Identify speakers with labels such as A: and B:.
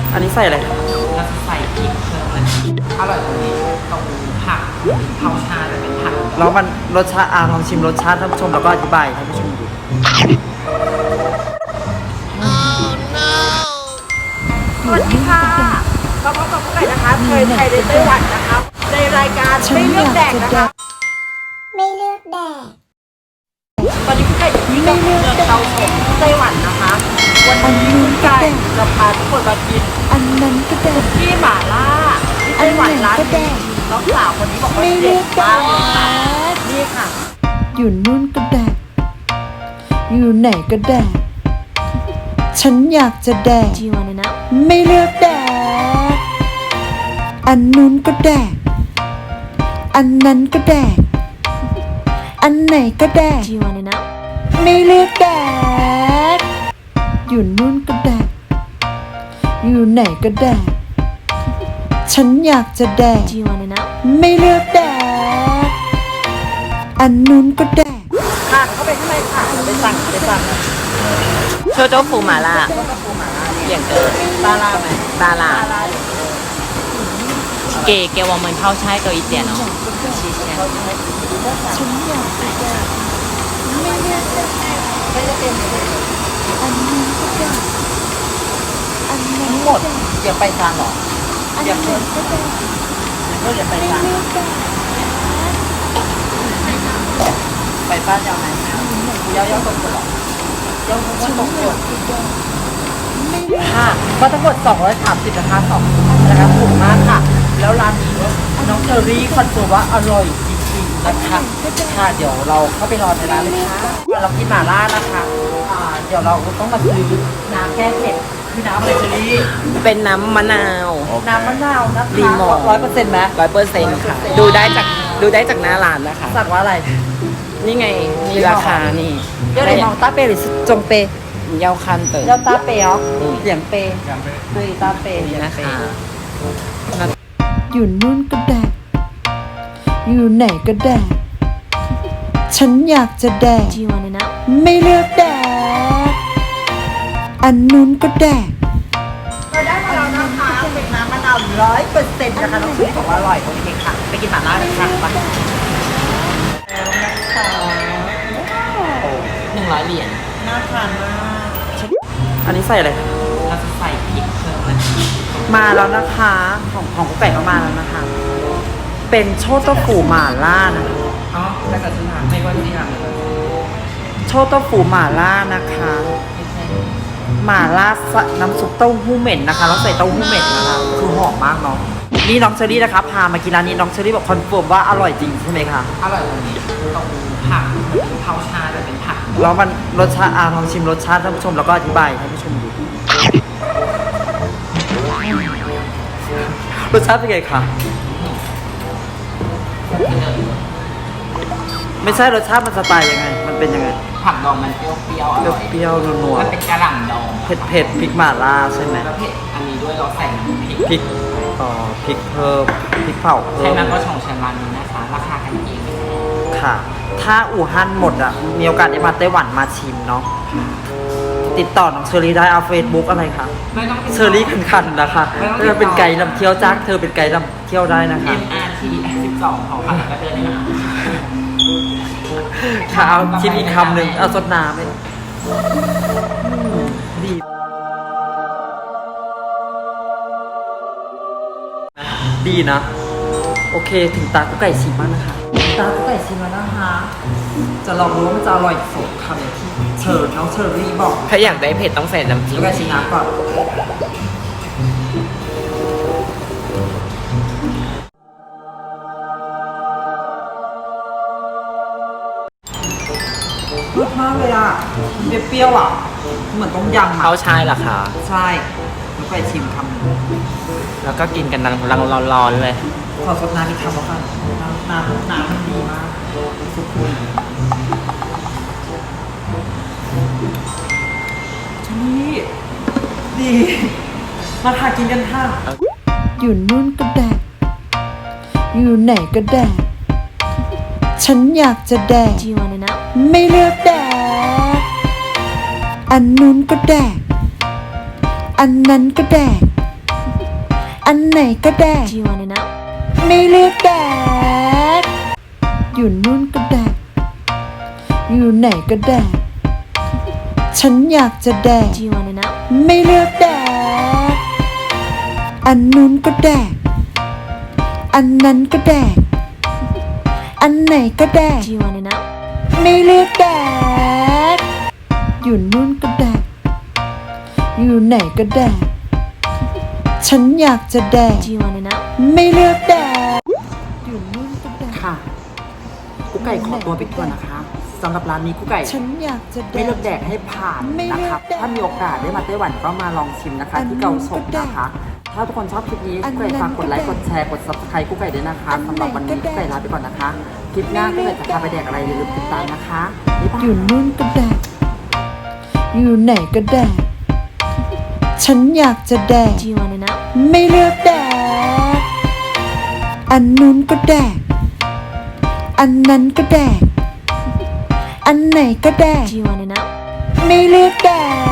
A: อันนี้ใส่อะไร
B: เราจะใส่พริกเพิ่มมันอร่อยตรงนี้ตรงผักเผาชาจะเป็นผัก
A: แล้วมันรสชาติลองชิมรสชาติท่านผู้ชมแล้วก็อธิบายท่านผู้ชมดู
C: สวัสดีค่ะเราพบกับผู้ใหญ่นะคะเคยไทยในไต้หวันนะคะในรายการไม่เลือกแดกนะคะ
D: ไม่เลือกแดก
C: ตอนนี้ผู้ใหญ่อยู่ที่เมืองเตาฉงไต้หวันนะคะวันนี้ผู้ใหญ่จะพาทุกคนมากิน
D: อันนั้นก็แดก
C: ที่หม่าล่าที่ไต้หวันร้านนี้น้องสาวคนนี้บอกว่าเด็ดมากเลยค่ะนี่ค่ะ
D: อยู่นู่นก็แดกอยู่ไหนก็แดกฉันอยากจะแดกไม่เลือกแดกอันนู้นก็แดกอันนั้นก็แดกอันไหนก็แดกไม่เลือกแดกอยู่นู่นก็แดกอยู่ไหนก็แดกฉันอยากจะแดกไม่เลือกแดกอันนู้นก็แดก
C: ค่ะเข้าไปข้างในค่ะไปสั่ง
B: โชโจ้ฟูหม่าล่าเกี่ยงเกิน
C: ตาลาไหม
B: ตาลา给我们泡菜多一点哦谢谢
D: ฉันอยากจะแดกไม่เลือกแดกอันนู้นก็แดกอันนั้น
C: หมดอย่าไปทางหรออย่าเพิ่มก็แดกก็อย่าไปทางไปบ้านยาวไหนยาวตรงหรอยาวตรงค่ะก็ทั้งหมด230นะคะ2นะคะถูกมากค่ะแล้วร้านนี้น้องเชอรี่คอนเฟิร์มว่าอร่อยจริงๆนะคะค่ะเดี๋ยวเราเข้าไปรอในร้านเลยค่ะเรากินหม่าล่านะคะเดี๋ยวเราต้องมาซื้อน้ำแก้เผ็ดคือน้ำอะไรเชอรี่
B: เป็นน้ำมะนาว
C: น้ำมะนาวนะคะ
B: รีโมท
C: 100%ไหม
B: 100%ค่ะดูได้จากหน้าร้านนะคะ
C: สั่งว่าอะไร
B: นี่ไงมีราคานี่
C: เดี๋ยวมองตาเปหรือจงเป
B: เยาคันเต๋อ
C: เยาตาเปอ๋อเสียงเปคือตาเป
B: นะคะ
D: อยู่นู่นก็แดกอยู่ไหนก็แดกฉันอยากจะแดกไม่เลือกแดกอันนู้นก็แดก
C: เราได้มาแล้วนะคะเป็นน้ำมะนาว100%นะคะน้องชุยบอกว่าอร่อยโอเคค่ะไปกินหม่าล่ากันค่ะไป
B: 100 เหรียญ
C: น่าทานมาก
A: อันนี้ใส่อะไร
B: เราจะใส่พริกเพิ่มมัน
A: มาแล้วนะคะของกุ๊กไก่ก็มาแล้วนะคะเป็นโชโต้ฟูหม่าล่านะคะ
B: อ๋อแต่กับชิ้นหางไม่ว่าที่หาง
A: โชโต้ฟูหม่าล่านะคะหม่าล่าน้ำซุปเต้าหู้เหม็นนะคะแล้วใส่เต้าหู้เหม็นนะคะคือหอมมากเนาะนี่น้องเชอรี่นะคะพามากินร้านนี้น้องเชอรี่บอกคอนเฟิร์มว่าอร่อยจริงใช่ไหมคะ
B: อร่อยตรงนี้ตรงผักเผาชาจะเป็นผัก
A: แล้วมันรสชาติลองชิมรสชาติท่านผู้ชมแล้วก็อธิบายท่านผู้ชมดูรสชาติเป็นไงคะไม่ใช่รสชาติมันสไตล์ยังไงมันเป็นยังไง
B: ผักดองมันเปรี้ยว
A: เปรี้ยวนัว
B: มันเป็นกระหล่ำดอง
A: เผ็ดพริกหม่าล่าใช่ไหม
B: แล้วเผ็ดอันนี้ด้วยเราใส่
A: พริกพริกเพิ่มพริกเผาเพิ่ม
B: ใช้น้ำก็ชงเชนร้านนี้นะคะราคากันเอง
A: ค่ะถ้าอู่ฮั่นหมดอ่ะมีโอกาสได้มาไต้หวันมาชิมเนาะติดต่อน้องเชอรี่ได้เอาเฟซบุ๊กอะไรคะเชอรี่คันนะคะเธอเป็นไกด์นำเที่ยวจ้าเธอเป็นไกด์นำเที่ยวได้นะคะ
B: MRT 12ของค่ะก็เดินได้นะคะ
A: ค่ะเอาชิมอีกคำหนึ่งเอาสดน้ำไหมดีดีนะโอเคถึงตากุ๊กไก่ชิมบ้างนะคะตากุ๊กไก่ชิมแล้วนะคะจะลองรู้ว่ามันจะอร่อยสดคำอย่างที่น้องเชอรี่บอก
B: ถ้าอยากได้เผ็ดต้องใส่น้ำจิ้ม
A: กุ๊กไก่ชิมน้ำก่อนรสมากเลยอ่ะเปรี้ยวอ่ะเหมือนต้มยำ
B: เขาใช่หรอคะ
A: ใช่กุ๊กไก่ชิมคำนึง
B: แล้วก็กินกันรังร้อนๆเลย
A: ขอสดน้ำอีกคำแล้วกันน้ำมันดีมากสุกุลนี่ดีมาค่ะกินกันค่ะ
D: อยู่นู่นก็แดกอยู่ไหนก็แดกฉันอยากจะแดกไม่เลือกแดกอันนู้นก็แดกอันนั้นก็แดกอันไหนก็แดก
E: Do you wanna know?
D: ไม่เลือกแดก อยู่นู่นก็แดก อยู่ไหนก็แดก ฉันอยากจะแดก
E: Do you wanna know?
D: ไม่เลือกแดก อันนู้นก็แดก อันนั้นก็แดก อันไหนก็แดก
E: Do you wanna know?
D: ไม่เลือกแดก อยู่นู่นก็แดก อยู่ไหนก็แดก ฉันอยากจะแดก
E: Do you wanna know?
D: ไม่เลือกแดก อยู่นู่นก็แดก
A: ค่ะกุ๊กไก่ขอตัวไปก่อนนะคะสำหรับร้านนี้กุ๊กไก่
D: ฉันอยากจะแดก
A: ไม่เลือกแดกให้ผ่านนะครับ ถ้ามีโอกาสได้มาไต้หวันก็มาลองชิมนะคะ ที่เกาสงนะคะ ถ้าทุกคนชอบคลิปนี้กุ๊กไก่ฝากกดไลค์กดแชร์กด subscribe กุ๊กไก่ด้วยนะคะสำหรับวันนี้กุ๊กไก่ลาไปก่อนนะคะ คลิปหน้ากุ๊กไก่จะพาไปแดกอะไรอย่าลืมติดตามนะคะบ๊ายบาย
D: อยู่นู่นก็แดก อยู่ไหนก็แดก ฉันอยากจะแดก
E: Do you wanna know?
D: ไม่เลือกแดก อันนู้นก็แดก อันนั้นก็แดก อันไหนก็แดก
E: Do you wanna know?
D: ไม่เลือกแดก